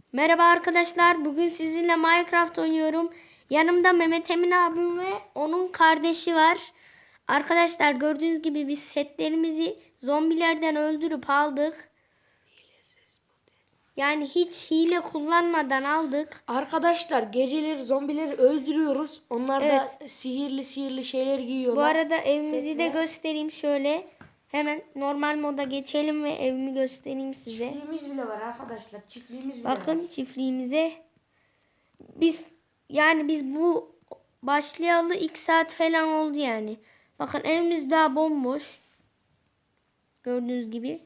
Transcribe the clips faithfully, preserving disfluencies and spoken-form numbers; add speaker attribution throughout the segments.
Speaker 1: Merhaba arkadaşlar. Bugün sizinle Minecraft oynuyorum. Yanımda Mehmet Emin abim ve onun kardeşi var. Arkadaşlar gördüğünüz gibi biz setlerimizi zombilerden öldürüp aldık. Yani hiç hile kullanmadan aldık.
Speaker 2: Arkadaşlar geceleri zombileri öldürüyoruz. Onlar
Speaker 1: Evet.
Speaker 2: da sihirli sihirli şeyler giyiyorlar.
Speaker 1: Bu arada evimizi
Speaker 2: Setler.
Speaker 1: de göstereyim şöyle. Hemen normal moda geçelim ve evimi göstereyim size.
Speaker 2: Çiftliğimiz bile var arkadaşlar. Çiftliğimiz bile
Speaker 1: Bakın
Speaker 2: var.
Speaker 1: çiftliğimize. Biz yani biz bu başlayalı iki saat falan oldu yani. Bakın evimiz daha bomboş. Gördüğünüz gibi.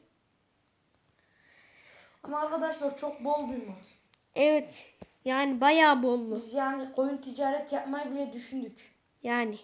Speaker 2: Ama arkadaşlar çok bol bir mod.
Speaker 1: Evet. Yani bayağı bollu.
Speaker 2: Biz yani koyun ticaret yapmayı bile düşündük.
Speaker 1: Yani.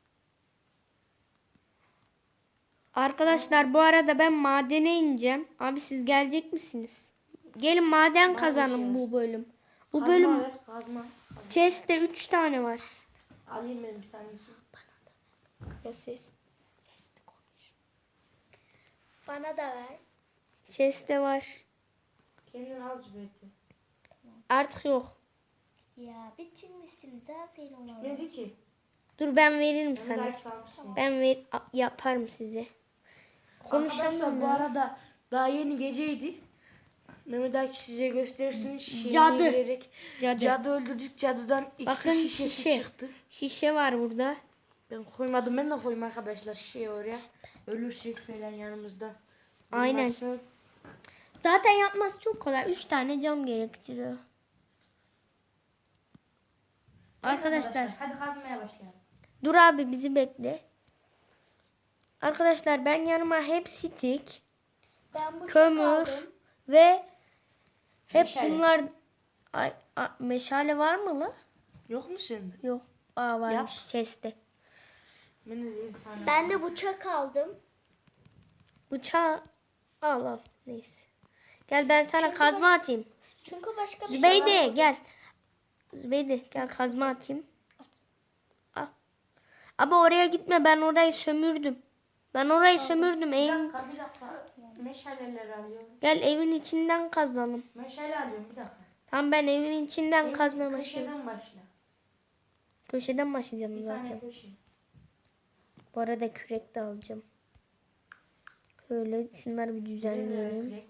Speaker 1: Arkadaşlar bu arada ben madene ineceğim. Abi siz gelecek misiniz? Gelin maden kazanın bu bölüm. Bu
Speaker 2: Kazma
Speaker 1: bölüm
Speaker 2: ver, kazma.
Speaker 1: chest'te üç tane var.
Speaker 2: Alayım ben bir tanesi.
Speaker 1: Ya ses. Sesli konuş.
Speaker 3: Bana da ver.
Speaker 1: Chest'te var.
Speaker 2: Kendin al Zübeyir'de.
Speaker 1: Artık yok.
Speaker 3: Ya bitirmişsiniz. Aferin ona.
Speaker 2: Ne dedi ki?
Speaker 1: Dur ben veririm
Speaker 2: Ben
Speaker 1: sana.
Speaker 2: belki almışsın.
Speaker 1: Ben ver a- yaparım size.
Speaker 2: Arkadaşlar
Speaker 1: Konuşamıyorum
Speaker 2: bu
Speaker 1: ya.
Speaker 2: arada daha yeni geceydi. Mehmet Akif size göstersin. Şeyine
Speaker 1: Cadı.
Speaker 2: girerek.
Speaker 1: Cadı.
Speaker 2: Cadı öldürdük. Cadıdan iksir
Speaker 1: Bakın
Speaker 2: şişesi
Speaker 1: şişe.
Speaker 2: çıktı.
Speaker 1: Şişe var burada.
Speaker 2: Ben koymadım. Ben de koyayım arkadaşlar şişeyi oraya. Ölürsek falan yanımızda.
Speaker 1: Aynen.
Speaker 2: Durmasın.
Speaker 1: Zaten yapması çok kolay. Üç tane cam gerektiriyor. Arkadaşlar.
Speaker 2: Hadi kazmaya başlayalım.
Speaker 1: Dur abi bizi bekle. Arkadaşlar ben yanıma hep stick,
Speaker 3: Ben bu
Speaker 1: kömür
Speaker 3: aldım.
Speaker 1: ve hep
Speaker 2: Meşale.
Speaker 1: bunlar ay, a- meşale var mı la?
Speaker 2: Yok mu sende?
Speaker 1: Yok. Aa varmış
Speaker 2: Yap.
Speaker 1: chest'te.
Speaker 2: Ben de bir tane.
Speaker 3: Ben de bıçak aldım.
Speaker 1: Bıçağı al al. Neyse. Gel ben sana
Speaker 3: Çünkü
Speaker 1: kazma
Speaker 3: baş-
Speaker 1: atayım.
Speaker 3: Çünkü başka bir şey
Speaker 1: Zübeyde
Speaker 3: var.
Speaker 1: gel. Zübeyde gel kazma atayım. Al. Abi oraya gitme, ben orayı sömürdüm. Ben orayı sömürdüm.
Speaker 2: Bir
Speaker 1: Evin,
Speaker 2: dakika bir dakika. Meşaleleri alıyorum.
Speaker 1: gel evin içinden kazalım.
Speaker 2: Meşale alıyorum bir dakika.
Speaker 1: Tamam ben evin içinden
Speaker 2: En
Speaker 1: kazmaya başlıyorum.
Speaker 2: Köşeden başla.
Speaker 1: Köşeden başlayacağım
Speaker 2: Bir
Speaker 1: zaten.
Speaker 2: tane köşe.
Speaker 1: Bu arada kürek de alacağım. Şöyle şunları bir
Speaker 2: Bize de ver
Speaker 1: düzenleyelim.
Speaker 2: kürek.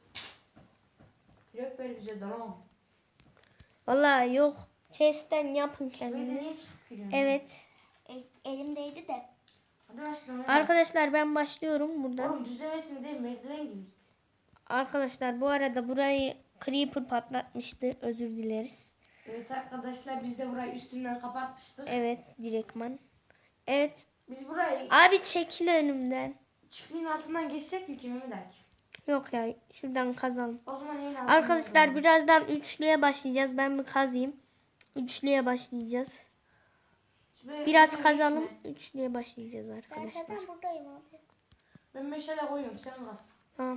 Speaker 2: Kürek ver bize tamam.
Speaker 1: Vallahi yok. Chest'ten yapın
Speaker 2: Böyle niye
Speaker 1: kendiniz.
Speaker 2: çıkıp giriyorsun?
Speaker 1: Evet.
Speaker 3: El- elimdeydi de.
Speaker 2: Hadi başlayalım.
Speaker 1: Arkadaşlar ben başlıyorum buradan.
Speaker 2: Oğlum düzlemesini değil merdiven gibi git.
Speaker 1: Arkadaşlar bu arada burayı Creeper patlatmıştı. Özür dileriz.
Speaker 2: Evet arkadaşlar biz de burayı üstünden kapatmıştık.
Speaker 1: Evet direktman. Evet.
Speaker 2: Biz burayı
Speaker 1: Abi çekil önümden.
Speaker 2: çiftliğin altından geçsek mi ki Mehmet Akif?
Speaker 1: Yok ya şuradan kazalım.
Speaker 2: O zaman evin altından
Speaker 1: Arkadaşlar
Speaker 2: kazalım.
Speaker 1: birazdan üçlüye başlayacağız. Ben bir kazayım. Üçlüye başlayacağız.
Speaker 2: Böyle
Speaker 1: Biraz
Speaker 2: hemen
Speaker 1: kazalım.
Speaker 2: geçme.
Speaker 1: Üçlüye başlayacağız
Speaker 3: Ben
Speaker 1: arkadaşlar.
Speaker 3: zaten buradayım abi.
Speaker 2: Ben meşale koyuyorum sen kaz.
Speaker 1: Tamam.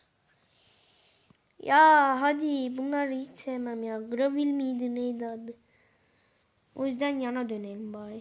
Speaker 1: Ya hadi bunları hiç sevmem ya. Gravil miydi neydi adı? O yüzden yana dönelim bari.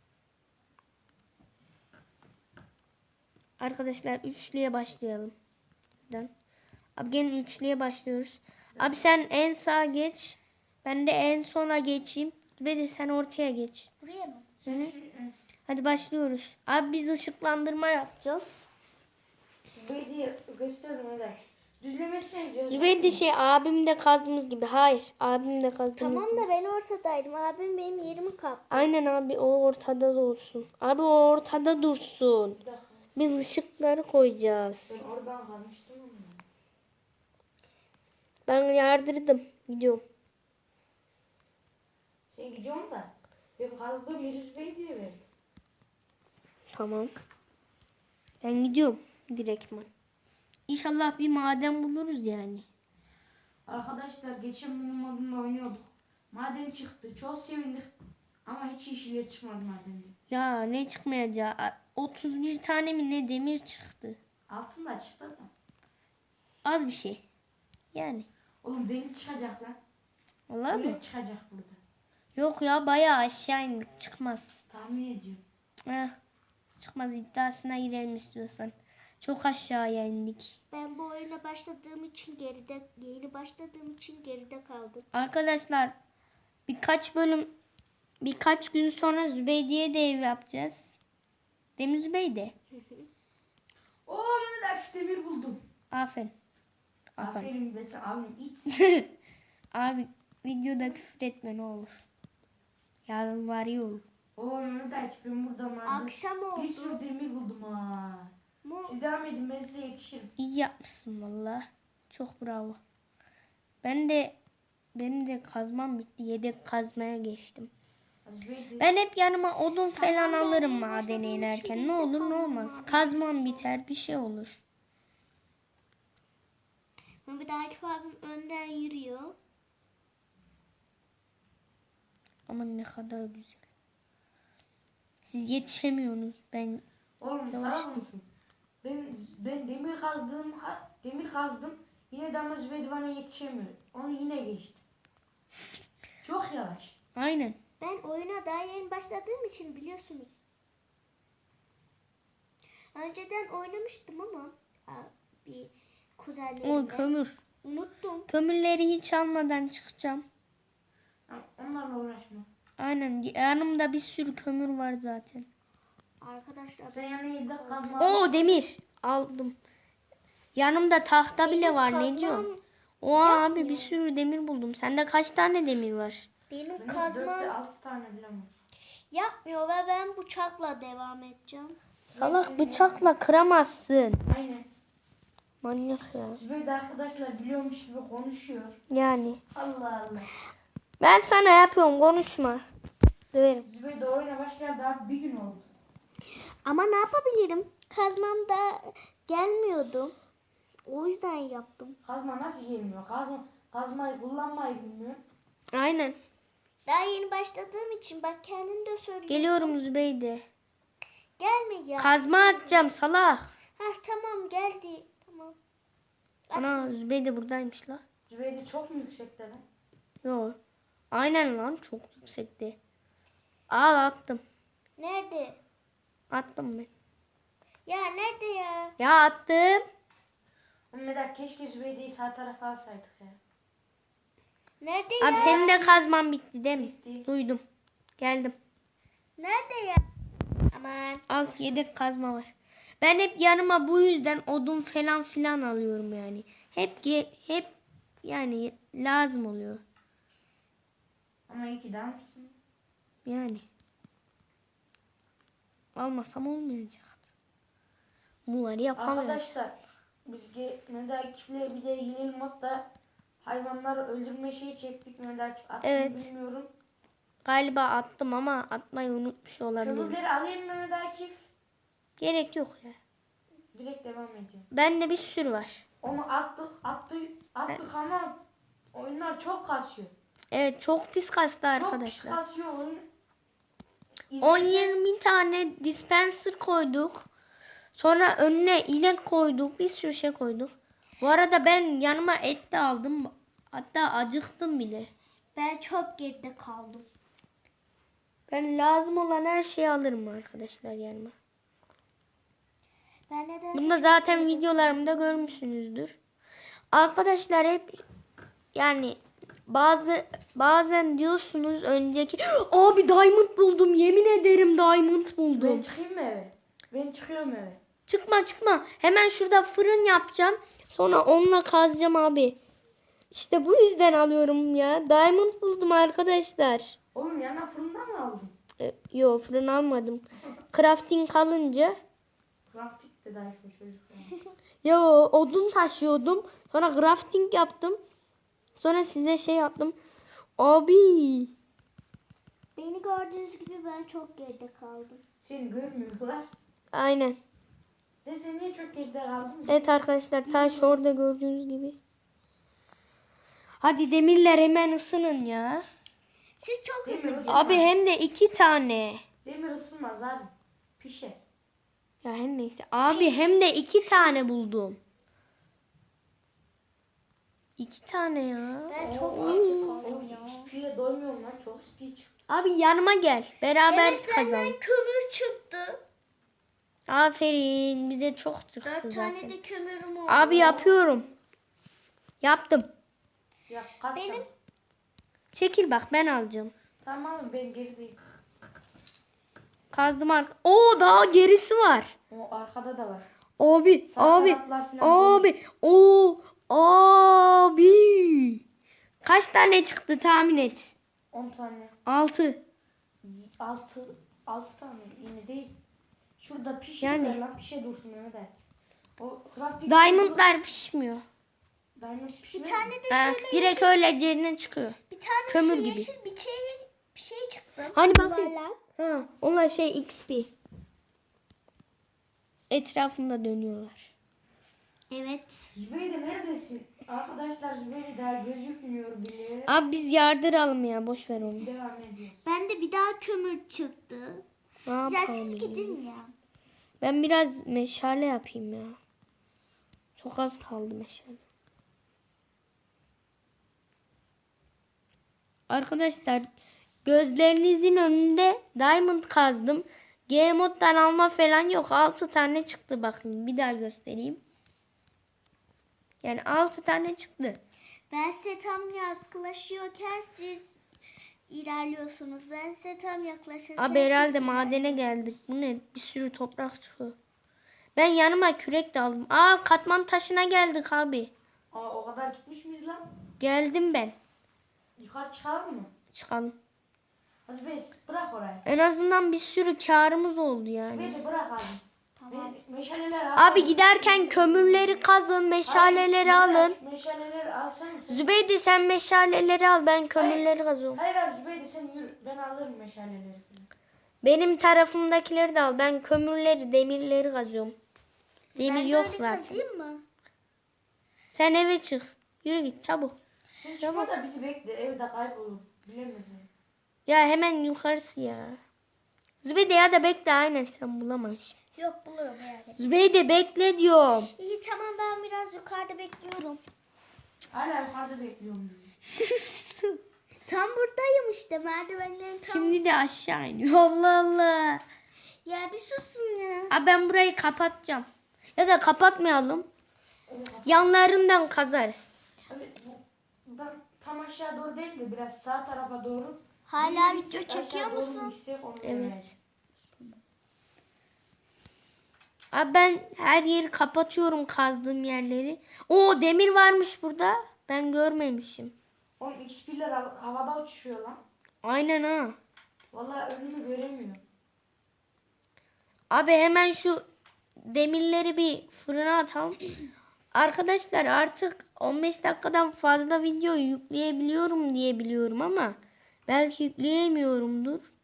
Speaker 1: Arkadaşlar üçlüye başlayalım. Buradan. Abi gelin üçlüye başlıyoruz. Abi sen en sağa geç. Ben de en sona geçeyim. Ve de sen ortaya geç.
Speaker 3: Buraya mı?
Speaker 2: Sen
Speaker 1: Hı.
Speaker 2: şu
Speaker 1: Hadi başlıyoruz. Abi biz ışıklandırma yapacağız.
Speaker 2: Zübeyde'yi gösterdim öyle. Düzlemesine gidiyoruz.
Speaker 1: Zübeyde şey abim de kazdığımız gibi. Hayır. Abim de kazdığımız
Speaker 3: Tamam
Speaker 1: gibi.
Speaker 3: da ben ortadaydım. Abim benim yerimi kaptı.
Speaker 1: Aynen abi o ortada dursun. Abi o ortada dursun.
Speaker 2: Bir dakika.
Speaker 1: Biz ışıkları koyacağız.
Speaker 2: Ben oradan kalmıştım ama.
Speaker 1: Ben yardırdım. Gidiyorum.
Speaker 2: Sen gidiyorsun da. Ben kazdığım yeri Zübeyde'ye verdim.
Speaker 1: Tamam. Ben gidiyorum direktman. İnşallah bir maden buluruz yani.
Speaker 2: Arkadaşlar geçen bölüm modunda oynuyorduk. Maden çıktı. Çok sevindik. Ama hiç işler çıkmadı madende.
Speaker 1: Ya ne çıkmayacağı. otuz bir tane mi ne demir çıktı.
Speaker 2: Altın da çıktı da.
Speaker 1: Az bir şey. Yani.
Speaker 2: Oğlum deniz çıkacak lan.
Speaker 1: Vallahi mı?
Speaker 2: Öyle çıkacak burada.
Speaker 1: Yok ya bayağı aşağı indik. Çıkmaz.
Speaker 2: Tahmin ediyorum.
Speaker 1: Heh. Çıkmaz iddiasına girelim istiyorsan. Çok aşağıya indik.
Speaker 3: Ben bu oyuna başladığım için geride, yeni başladığım için geride kaldım.
Speaker 1: Arkadaşlar birkaç bölüm birkaç gün sonra Zübeyde'ye de ev yapacağız. Değil mi Zübeyde?
Speaker 2: Oo Mehmet Akif demir buldum.
Speaker 1: Aferin. Aferin.
Speaker 2: Aferin be sen abim it.
Speaker 1: Abi videoda küfür etme ne olur. Yarın var ya olur.
Speaker 2: Oo Mehmet Akif ben buradan vardım.
Speaker 3: Akşam oldu.
Speaker 2: Bir sürü demir buldum ha.
Speaker 3: Mu-
Speaker 2: Siz devam edin ben size yetişirim.
Speaker 1: İyi yapmışsın valla. Çok bravo. Ben de benim de kazmam bitti. Yedek kazmaya geçtim.
Speaker 2: Zübeyde.
Speaker 1: Ben hep yanıma odun falan
Speaker 3: Tamam, ben
Speaker 1: alırım
Speaker 3: en
Speaker 1: madene
Speaker 3: başladığım için
Speaker 1: inerken. Ne
Speaker 3: geride
Speaker 1: olur ne
Speaker 3: kaldım
Speaker 1: olmaz.
Speaker 3: abi.
Speaker 1: Kazmam biter bir şey olur.
Speaker 3: Mehmet Akif abim önden yürüyor.
Speaker 1: Ama ne kadar güzel. Siz yetişemiyorsunuz. Ben
Speaker 2: Oğlum
Speaker 1: Yavaş.
Speaker 2: sağ mısın? Ben ben demir kazdım, ha- demir kazdım. Yine de ama Zübeyde bana yetişemiyor. Onu yine geçtim. Çok yavaş.
Speaker 1: aynen.
Speaker 3: Ben oyuna daha yeni başladığım için biliyorsunuz. Önceden oynamıştım ama aa, bir
Speaker 1: O
Speaker 3: kuzenlerimle.
Speaker 1: kömür.
Speaker 3: Unuttum.
Speaker 1: Kömürleri hiç almadan çıkacağım.
Speaker 2: Ama onlarla uğraşma.
Speaker 1: Aynen. Yanımda bir sürü kömür var zaten.
Speaker 3: Arkadaşlar
Speaker 2: Sen yani evde kazma
Speaker 1: Oo demir. Aldım. Yanımda tahta bile
Speaker 3: benim
Speaker 1: var. Ne
Speaker 3: kazmam-
Speaker 1: diyorsun? O abi
Speaker 3: yapmıyor.
Speaker 1: bir sürü demir buldum. Sende kaç tane demir var?
Speaker 3: Benim
Speaker 2: Benim dört
Speaker 3: kazmam
Speaker 2: ve altı tane bile var.
Speaker 3: yapmıyor ve ben bıçakla devam edeceğim.
Speaker 1: Salak bıçakla kıramazsın.
Speaker 2: Aynen.
Speaker 1: Manyak ya.
Speaker 2: Zübeyde arkadaşlar biliyormuş gibi konuşuyor.
Speaker 1: Yani.
Speaker 2: Allah Allah.
Speaker 1: Ben sana yapıyorum konuşma. Döverim.
Speaker 2: Zübeyde oyuna başladı daha bir gün oldu.
Speaker 3: Ama ne yapabilirim? Kazmam da gelmiyordu. O yüzden yaptım.
Speaker 2: Kazma nasıl gelmiyor? Kazma, kazmayı kullanmayı bilmiyor.
Speaker 1: Aynen.
Speaker 3: Daha yeni başladığım için bak kendin de söylüyorsun.
Speaker 1: Geliyorum Zübeyde.
Speaker 3: Gelme ya.
Speaker 1: Kazma atacağım salak.
Speaker 3: Hah tamam geldi. Tamam.
Speaker 1: Ana Zübeyde buradaymış la.
Speaker 2: Zübeyde çok mu yüksekte lan?
Speaker 1: Yok. Aynen lan çok yüksekti. Al attım.
Speaker 3: Nerede?
Speaker 1: Attım ben.
Speaker 3: Ya nerede ya?
Speaker 1: Ya attım.
Speaker 2: Mehmet keşke Zübeyde'yi sağ tarafa alsaydık ya.
Speaker 3: Nerede
Speaker 1: Abi
Speaker 3: ya?
Speaker 1: senin de kazman bitti değil mi?
Speaker 2: Bitti.
Speaker 1: Duydum. Geldim.
Speaker 3: Nerede ya? Aman.
Speaker 1: Al yedek kazma var. Ben hep yanıma bu yüzden odun falan filan alıyorum yani. Hep ge- hep yani lazım oluyor.
Speaker 2: Ama iyi ki de almışsın.
Speaker 1: Yani. Almasam olmayacaktı. Bunları yapamıyorum.
Speaker 2: Arkadaşlar biz ge- Mehmet Akif'le bir de yeni modda hayvanları öldürme şeyi çektik. Mehmet Akif attı mı
Speaker 1: Evet.
Speaker 2: bilmiyorum.
Speaker 1: Galiba attım ama atmayı unutmuş olabilirim.
Speaker 2: Kömürleri alayım Mehmet Akif.
Speaker 1: Gerek yok ya.
Speaker 2: Direkt devam ediyorum.
Speaker 1: Bende bir sürü var.
Speaker 2: Onu attık attık attık ama oyunlar çok kasıyor.
Speaker 1: Evet çok pis kastı
Speaker 2: Çok pis
Speaker 1: arkadaşlar.
Speaker 2: kasıyor oyun.
Speaker 1: on
Speaker 2: İzlerken-
Speaker 1: yirmi tane dispenser koyduk. Sonra önüne inek koyduk. Bir sürü şey koyduk. Bu arada ben yanıma et de aldım. Hatta acıktım bile.
Speaker 3: Ben çok geride kaldım.
Speaker 1: Ben lazım olan her şeyi alırım arkadaşlar yanıma.
Speaker 3: Ben neden
Speaker 1: Bunu da zaten videolarımda görmüşsünüzdür. Arkadaşlar hep yani bazı bazen diyorsunuz önceki abi diamond buldum yemin ederim diamond
Speaker 2: Ben
Speaker 1: buldum.
Speaker 2: çıkayım mı eve? Ben çıkıyorum eve.
Speaker 1: Çıkma çıkma. Hemen şurada fırın yapacağım. Sonra onunla kazacağım abi. İşte bu yüzden alıyorum ya. Diamond buldum arkadaşlar.
Speaker 2: Oğlum yana fırından mı aldın?
Speaker 1: E, yo fırın almadım. Crafting kalınca.
Speaker 2: Crafting de daha şu çocuk.
Speaker 1: Yo odun taşıyordum. Sonra crafting yaptım. Sonra size şey yaptım. Abi.
Speaker 3: Beni gördüğünüz gibi ben çok geride kaldım.
Speaker 2: Seni görmüyorlar.
Speaker 1: Aynen.
Speaker 2: De sen niye çok geride kaldın?
Speaker 1: Evet arkadaşlar taş orada gördüğünüz gibi. Hadi demirler hemen ısının ya.
Speaker 3: Siz çok
Speaker 2: Demir
Speaker 3: hızlı.
Speaker 2: ısınmaz.
Speaker 1: Abi hem de iki tane.
Speaker 2: Demir ısınmaz abi. Pişer.
Speaker 1: Ya her neyse. Abi hem de iki tane buldum. İki tane ya.
Speaker 3: Ben çok
Speaker 2: Oo.
Speaker 3: geride kaldım
Speaker 2: Oğlum
Speaker 3: ya.
Speaker 2: X P'ye doymuyorum lan. Çok X P çıktı.
Speaker 1: Abi yanıma gel. Beraber
Speaker 3: Evet
Speaker 1: kazan.
Speaker 3: benden kömür çıktı.
Speaker 1: Aferin. Bize çok çıktı
Speaker 3: Dört
Speaker 1: zaten.
Speaker 3: tane de kömürüm oldu.
Speaker 1: Abi yapıyorum. Yaptım.
Speaker 2: Ya kaç
Speaker 3: Benim-
Speaker 2: tane?
Speaker 1: Çekil bak ben alacağım.
Speaker 2: Tamam ben gerideyim.
Speaker 1: Kazdım arka. Oo daha gerisi var.
Speaker 2: O arkada da var.
Speaker 1: Abi,
Speaker 2: Sağ
Speaker 1: abi,
Speaker 2: taraflar falan
Speaker 1: abi, o, abi. Kaç tane çıktı tahmin et.
Speaker 2: on tane.
Speaker 1: Altı.
Speaker 2: altı altı tane yine değil. Şurada pişir
Speaker 1: Yani.
Speaker 2: ver lan pişe dursun Mehmet Ali. O crafting
Speaker 1: Diamondlar pişmiyor.
Speaker 2: Diamond
Speaker 3: Bir
Speaker 2: pişmez
Speaker 3: tane
Speaker 2: mi?
Speaker 3: de
Speaker 1: Ha,
Speaker 3: şöyle
Speaker 1: direkt
Speaker 3: yeşil,
Speaker 1: öyle yerine çıkıyor.
Speaker 3: bir tane
Speaker 1: kömür
Speaker 3: şu
Speaker 1: gibi.
Speaker 3: yeşil bir şey bir şey çıktı.
Speaker 1: Hani bakayım.
Speaker 3: Yuvarlak.
Speaker 1: Ha, onlar şey X P. Etrafında dönüyorlar.
Speaker 3: Evet.
Speaker 2: Zübeyde neredesin? Arkadaşlar Zübeyde daha gözükmüyor bile.
Speaker 1: Abi biz yardıralım ya boş ver onu.
Speaker 2: Devam ediyoruz.
Speaker 3: Ben de bir daha kömür çıktı.
Speaker 1: Ne
Speaker 3: Ya
Speaker 1: yapalım
Speaker 3: siz
Speaker 1: ya?
Speaker 3: gidin ya.
Speaker 1: Ben biraz meşale yapayım ya. Çok az kaldı meşale. Arkadaşlar gözlerinizin önünde diamond kazdım. G moddan alma falan yok. altı tane çıktı bakın. Bir daha göstereyim. Yani altı tane çıktı.
Speaker 3: Ben size tam yaklaşıyorken siz ilerliyorsunuz. Ben size tam yaklaşırken
Speaker 1: Abi herhalde
Speaker 3: siz
Speaker 1: madene geldik. Bu ne? Bir sürü toprak çıkıyor. Ben yanıma kürek de aldım. Aa katman taşına geldik abi.
Speaker 2: Aa, o kadar gitmiş miyiz lan?
Speaker 1: Geldim ben.
Speaker 2: Yukarı çıkalım mı?
Speaker 1: Çıkalım.
Speaker 2: Zübeyde bırak orayı.
Speaker 1: En azından bir sürü karımız oldu yani.
Speaker 2: Zübeyde bırak abi.
Speaker 3: Tamam.
Speaker 2: Me- meşaleler al.
Speaker 1: Abi giderken kömürleri kazın, meşaleleri
Speaker 2: Hayır,
Speaker 1: alın.
Speaker 2: Meşaleleri alsana sen.
Speaker 1: Zübeyde sen meşaleleri al, ben kömürleri kazıyorum.
Speaker 2: Hayır abi Zübeyde sen yürü. Ben alırım meşaleleri falan.
Speaker 1: Benim tarafımdakileri de al, ben kömürleri, demirleri kazıyorum. Demir
Speaker 3: Ben de
Speaker 1: yok
Speaker 3: öyle
Speaker 1: zaten.
Speaker 3: kazıyım mı?
Speaker 1: Sen eve çık. Yürü git çabuk.
Speaker 2: Sen çıkma da bizi bekle. Evde kaybolur. Bilemezsin.
Speaker 1: Ya hemen yukarısı ya. Zübeyde ya da bekle, aynen sen bulamazsın.
Speaker 3: Yok bulurum merak etme.
Speaker 1: Zübeyde bekle diyorum.
Speaker 3: İyi tamam ben biraz yukarıda bekliyorum.
Speaker 2: Hala yukarıda bekliyorum bizi.
Speaker 3: Tam buradayım işte merdivenlerin tam.
Speaker 1: Şimdi de aşağı iniyor. Allah Allah.
Speaker 3: Ya bir susun ya.
Speaker 1: Abi ben burayı kapatacağım. Ya da kapatmayalım. Yanlarından kazarız.
Speaker 2: Abi bu buradan tam aşağı doğru değil de biraz sağ tarafa doğru.
Speaker 3: Hala
Speaker 2: Biz
Speaker 3: video
Speaker 2: aşağı
Speaker 3: çekiyor
Speaker 2: doğru
Speaker 3: musun?
Speaker 2: gitsek onu
Speaker 1: Evet.
Speaker 2: öğreneceğiz.
Speaker 1: Abi ben her yeri kapatıyorum, kazdığım yerleri. Oo demir varmış burada. Ben görmemişim.
Speaker 2: Oğlum X P'ler hav- havada uçuşuyor lan.
Speaker 1: Aynen ha.
Speaker 2: Vallahi önümü göremiyorum.
Speaker 1: Abi hemen şu demirleri bir fırına atalım. Arkadaşlar artık on beş dakikadan fazla video yükleyebiliyorum diye biliyorum ama belki yükleyemiyorumdur.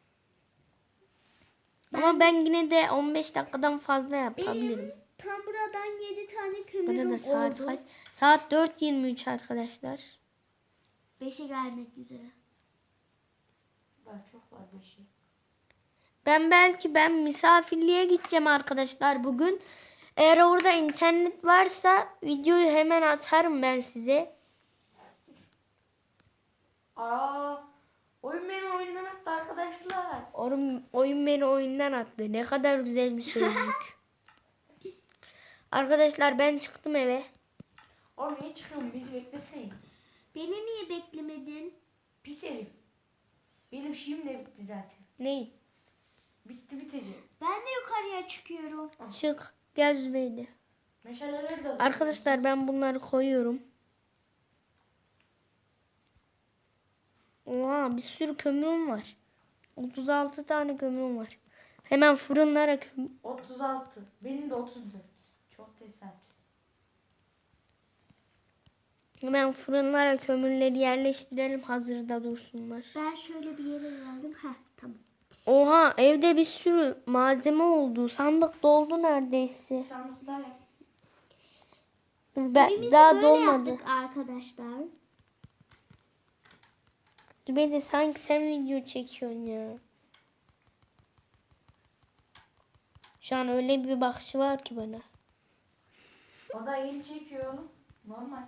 Speaker 1: Ama ben yine de on beş dakikadan fazla yapabilirim.
Speaker 3: Benim tam buradan yedi tane kömürüm
Speaker 1: Burada saat
Speaker 3: oldu.
Speaker 1: kaç? Saat dört yirmi üç arkadaşlar.
Speaker 3: beşe gelmek üzere.
Speaker 2: Daha çok var bir şey.
Speaker 1: Ben belki ben misafirliğe gideceğim arkadaşlar bugün. Eğer orada internet varsa videoyu hemen atarım ben size.
Speaker 2: Aa, oyun beni oyundan attı arkadaşlar.
Speaker 1: Oyun, oyun beni oyundan attı. Ne kadar güzel bir sözcük. Arkadaşlar ben çıktım eve.
Speaker 2: Oğlum niye çıkıyorsun? Bizi bekleseydin.
Speaker 3: Beni niye beklemedin?
Speaker 2: Pis herif. Benim şeyim de bitti zaten.
Speaker 1: Ney?
Speaker 2: Bitti bitecek.
Speaker 3: Ben de yukarıya çıkıyorum.
Speaker 1: Çık. Gel Zübeyde.
Speaker 2: Meşaleleri de
Speaker 1: Arkadaşlar ben bunları koyuyorum. Oha bir sürü kömürüm var. otuz altı tane kömürüm var. Hemen fırınlara kömür.
Speaker 2: otuz altı. Benim de otuz dört. Çok tesadüf.
Speaker 1: Hemen fırınlara kömürleri yerleştirelim hazırda dursunlar.
Speaker 3: Ben şöyle bir yere geldim. Heh tamam.
Speaker 1: Oha evde bir sürü malzeme oldu. Sandık doldu neredeyse.
Speaker 2: Sandıklar yap.
Speaker 1: Ben,
Speaker 3: Evimizi
Speaker 1: daha
Speaker 3: böyle
Speaker 1: dolmadı.
Speaker 3: yaptık arkadaşlar.
Speaker 1: Zübeyde sanki sen video çekiyorsun ya. Şu an öyle bir bakışı var ki bana.
Speaker 2: O da yeni çekiyor oğlum. Normal.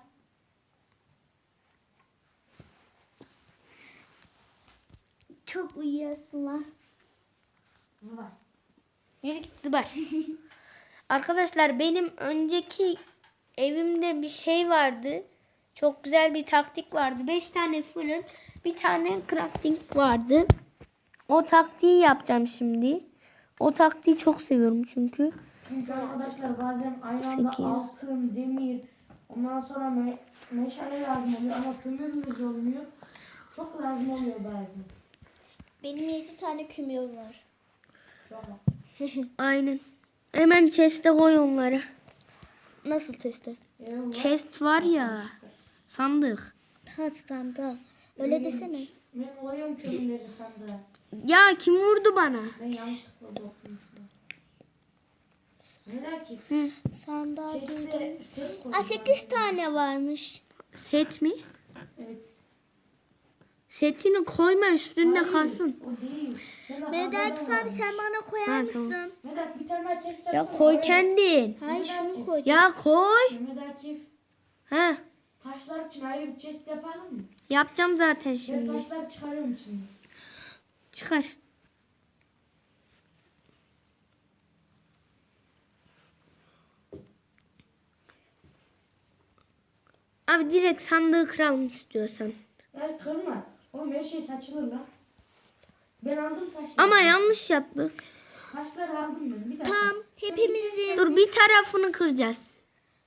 Speaker 3: Çok uyuyasın lan.
Speaker 2: Zıvar.
Speaker 1: Yürü git zıbar. Arkadaşlar benim önceki evimde bir şey vardı. Çok güzel bir taktik vardı. Beş tane fırın, bir tane crafting vardı. O taktiği yapacağım şimdi. O taktiği çok seviyorum çünkü.
Speaker 2: Çünkü arkadaşlar bazen aynı anda
Speaker 1: Sekiz.
Speaker 2: altın, demir, ondan sonra me meşale lazım oluyor ama kömürümüz olmuyor. Çok lazım oluyor bazen.
Speaker 3: Benim yedi tane kümür var.
Speaker 2: Çok az.
Speaker 1: Aynen. Hemen chest'e koy onları.
Speaker 3: Nasıl testi?
Speaker 2: Eyvallah.
Speaker 1: Chest var ya. Sandık.
Speaker 3: Ha standa. Öyle desene.
Speaker 2: Ben koyuyorum kömürleri sandığa.
Speaker 1: Ya kim vurdu bana?
Speaker 2: Ben yanlışlıkla dokundum sana. Neden ki?
Speaker 3: Sanda duydum.
Speaker 2: Çeşitli set koydum.
Speaker 3: Aa sekiz tane varmış.
Speaker 1: Set mi?
Speaker 2: Evet.
Speaker 1: Setini koyma üstünde
Speaker 2: Hayır,
Speaker 1: kalsın.
Speaker 2: o değil. Ben de
Speaker 3: Mehmet
Speaker 2: fazladan
Speaker 3: Akif abi
Speaker 2: varmış.
Speaker 3: sen bana koyar
Speaker 1: Ha,
Speaker 3: mısın?
Speaker 1: tamam.
Speaker 2: Mehmet bir tane daha chest
Speaker 1: Ya
Speaker 2: yapsana,
Speaker 1: koy
Speaker 2: oraya.
Speaker 1: kendin.
Speaker 3: Hayır şunu koy.
Speaker 1: Ya koy.
Speaker 2: Mehmet Akif
Speaker 1: Ha,
Speaker 2: taşlar için ayrı bir chest yapalım mı?
Speaker 1: yapacağım zaten
Speaker 2: Ben
Speaker 1: şimdi.
Speaker 2: taşları çıkarıyorum şimdi.
Speaker 1: Çıkar. Abi direkt sandığı kıralım istiyorsan.
Speaker 2: Hayır kırma. Oğlum her şey saçılır lan. Ben aldım taşları.
Speaker 1: Ama yanlış yaptık.
Speaker 2: Taşları aldım ben. Bir dakika.
Speaker 3: Tamam hepimizin.
Speaker 1: Dur bir tarafını kıracağız.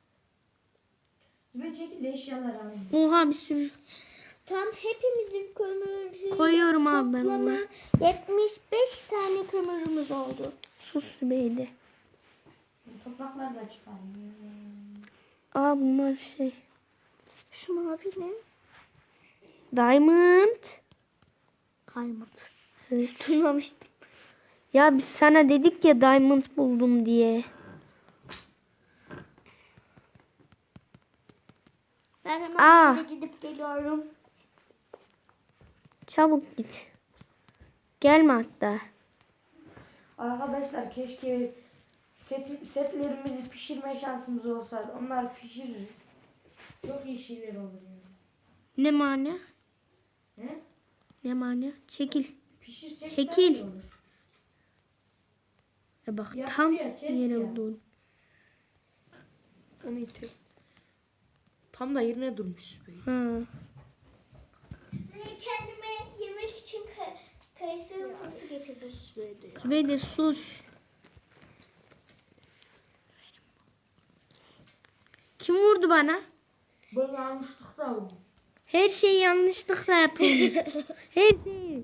Speaker 2: Bir çekil de eşyaları alayım.
Speaker 1: Oha bir sürü.
Speaker 3: Tam hepimizin kömürü.
Speaker 1: Koyuyorum abi ben
Speaker 3: Toplama
Speaker 1: onu.
Speaker 3: yetmiş beş tane kömürümüz oldu.
Speaker 1: Sus Sübeyde.
Speaker 2: Toprakları da çıkarayım.
Speaker 1: Aa bunlar şey.
Speaker 3: Şu mavi ne?
Speaker 1: Diamond.
Speaker 3: Kaymut.
Speaker 1: Hiç duymamıştım. Ya biz sana dedik ya diamond buldum diye.
Speaker 3: Ben hemen
Speaker 1: Aa.
Speaker 3: eve gidip geliyorum.
Speaker 1: Çabuk git. Gelme hatta.
Speaker 2: Arkadaşlar keşke set, setlerimizi pişirme şansımız olsaydı. Onları pişiririz. Çok iyi şeyler olur yani.
Speaker 1: Ne mana?
Speaker 2: He?
Speaker 1: Ne mana? Çekil.
Speaker 2: Pişirsek
Speaker 1: Çekil.
Speaker 2: daha iyi olur.
Speaker 1: Ya bak
Speaker 2: Ya
Speaker 1: tam
Speaker 2: şuraya chest
Speaker 1: yere
Speaker 2: ya.
Speaker 1: vurdun.
Speaker 2: Onu itiyor. Tam da yerine durmuş.
Speaker 1: Ha.
Speaker 3: Ve kendime yemek için ka- kayısı kurusu getirdim.
Speaker 1: Sübeyde sus. Kim vurdu bana?
Speaker 2: Ben yanlışlıkla aldım.
Speaker 1: Her şeyi yanlışlıkla yapıyoruz. Her şeyi.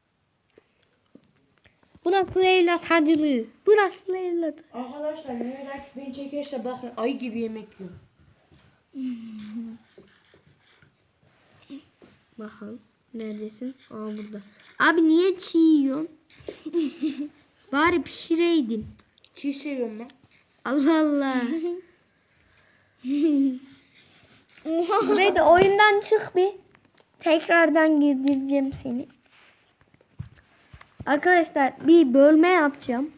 Speaker 1: Bu nasıl evlat hacılığı? Bu nasıl evlat?
Speaker 2: Arkadaşlar Mehmet Akif beni çekerse bakın ayı gibi yemek yiyor.
Speaker 1: Bakalım. Neredesin? Aa burada. Abi niye çiğ yiyorsun? Bari pişireydin.
Speaker 2: Çiğ seviyorum ben.
Speaker 1: Allah Allah. Sübeyde oyundan çık bir. Tekrardan girdireceğim seni. Arkadaşlar bir bölme yapacağım.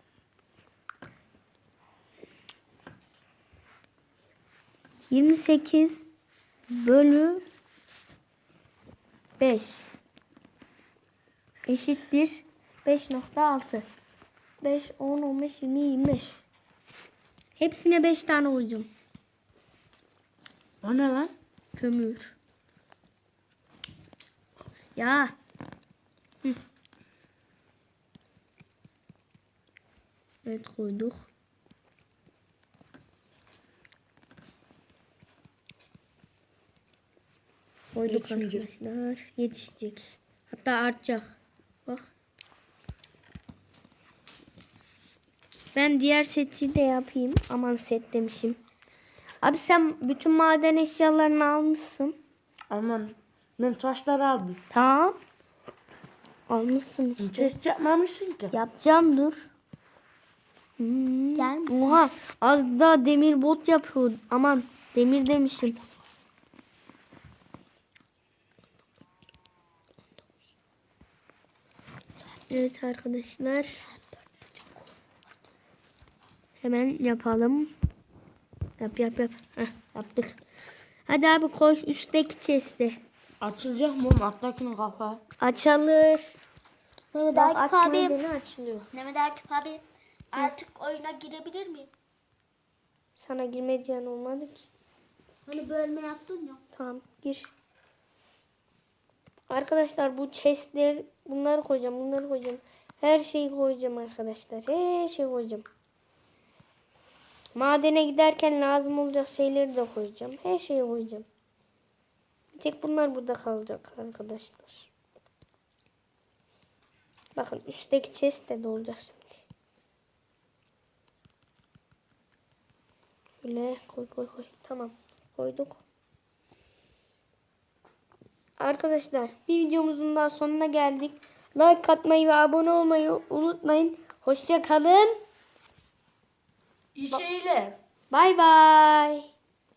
Speaker 1: yirmi sekiz bölü beş eşittir beş nokta altı. beş, on, on beş, yirmi, yirmi beş. Hepsine beş tane koyacağım.
Speaker 2: O ne lan?
Speaker 1: Kömür. Ya. Hı. Evet koyduk. Koyduk
Speaker 2: Yetişmeyecek.
Speaker 1: arkadaşlar. Yetişecek. Hatta artacak. Bak. Ben diğer seti de yapayım. Aman set demişim. Abi sen bütün maden eşyalarını almışsın.
Speaker 2: Aman ben taşları aldım.
Speaker 1: Tamam. Almışsın işte.
Speaker 2: Chest yapmamışsın ki.
Speaker 1: Yapacağım dur. Hmm.
Speaker 3: Gelmiş.
Speaker 1: Oha az daha demir bot yapıyor. Aman demir demişim. Evet arkadaşlar. Hemen yapalım. Yap yap yap. Heh, yaptık. Hadi abi koy üstteki chest'e.
Speaker 2: Açılacak mı oğlum? Alttakinin kapağı.
Speaker 1: Açılır.
Speaker 3: Mehmet
Speaker 1: Bak
Speaker 3: Akif abi.
Speaker 1: açmadığını açılıyor.
Speaker 3: Mehmet Akif abi. Artık oyuna girebilir miyim?
Speaker 1: Sana girme diyen olmadı ki.
Speaker 3: Hani bölme yaptın ya.
Speaker 1: Tamam gir. Arkadaşlar bu chestler bunları koyacağım bunları koyacağım. Her şeyi koyacağım arkadaşlar. Her şeyi koyacağım. Madene giderken lazım olacak şeyleri de koyacağım. Her şeyi koyacağım. Bir tek bunlar burada kalacak arkadaşlar. Bakın üstteki chest de dolacak şimdi. Böyle koy koy koy. Tamam koyduk. Arkadaşlar bir videomuzun daha sonuna geldik. Like atmayı ve abone olmayı unutmayın. Hoşça kalın.
Speaker 2: İyi şeyler.
Speaker 1: Bay bay.